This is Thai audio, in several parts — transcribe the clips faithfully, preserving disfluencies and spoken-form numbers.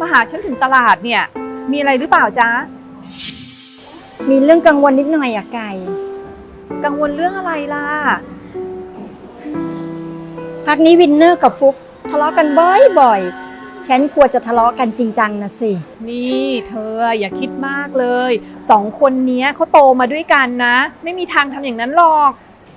หาฉันถึงตลาดเนี่ยมีอะไรหรือเปล่าจ๊ะมีเรื่องกังวลนิดหน่อยอะไก่กังวลเรื่องอะไรล่ะพักนี้วินเนอร์กับฟุกทะเลาะกันบ่อยๆฉันกลัวจะทะเลาะกันจริงจังนะสินี่เธออย่าคิดมากเลยสองคนนี้เขาโตมาด้วยกันนะไม่มีทางทำอย่างนั้นหรอก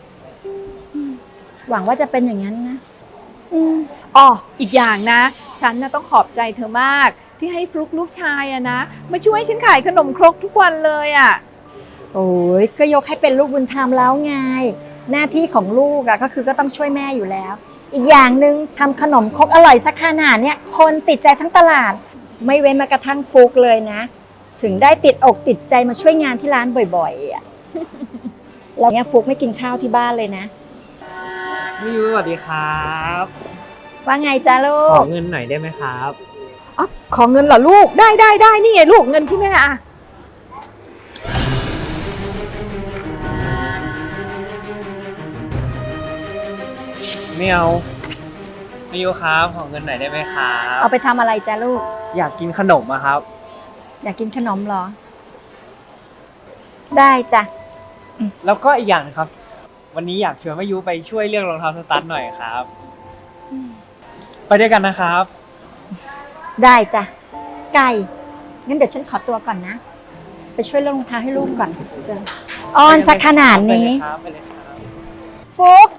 หวังว่าจะเป็นอย่างนั้นนะอืมอ๋ออีกอย่างนะฉันนะต้องขอบใจเธอมากที่ให้ฟลุกลูกชายอะนะมาช่วยฉันขายขนมครกทุกวันเลยอะโอ้ยก็ยกให้เป็นลูกบุญธรรมแล้วไงหน้าที่ของลูกอะก็คือก็ต้องช่วยแม่อยู่แล้วอีกอย่างหนึ่งทำขนมครกอร่อยสักขนาดเนี้ยคนติดใจทั้งตลาดไม่เว้นมากระทั่งฟุกเลยนะถึงได้ติดอกติดใจมาช่วยงานที่ร้านบ่อยๆอะแล้วเนี้ยฟุกไม่กินข้าวที่บ้านเลยนะพี่ยุ้ยสวัสดีครับว่าไงจ้าลูกขอเงินหน่อยได้ไหมครับอ๋อขอเงินเหรอลูกได้ได้ได้นี่ไงลูกเงินที่แม่อะไม่เอาพี่ยุ้ยครับขอเงินหน่อยได้ไหมครับเอาไปทำอะไรจ้าลูกอยากกินขนมอะครับอยากกินขนมเหรอได้จ้ะแล้วก็อีกอย่างนะครับวันนี้อยากชวนแม่ยุ้ยไปช่วยเรื่องรองเท้าสตั๊ดหน่อยครับไปด้วยกันนะครับได้จ้ะไก่งั้นเดี๋ยวฉันขอตัวก่อนนะไปช่วยเรื่องรองเท้าให้ลูกก่อนจ้ะอ้อนสักขนาดนี้ฟุก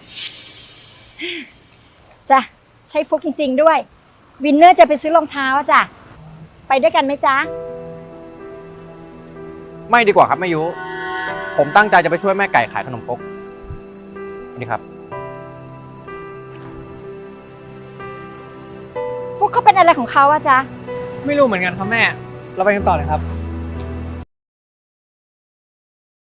จ้ะใช่ฟุกจริงๆด้วยวินเนอร์จะไปซื้อรองเท้าจ้ะไปด้วยกันไหมจ๊ะไม่ดีกว่าครับแม่ยุผมตั้งใจจะไปช่วยแม่ไก่ขายขนมครกนี่ครับฟุกเขาเป็นอะไรของเขาอะจ๊ะไม่รู้เหมือนกันครับแม่เราไปกันต่อเลยครับ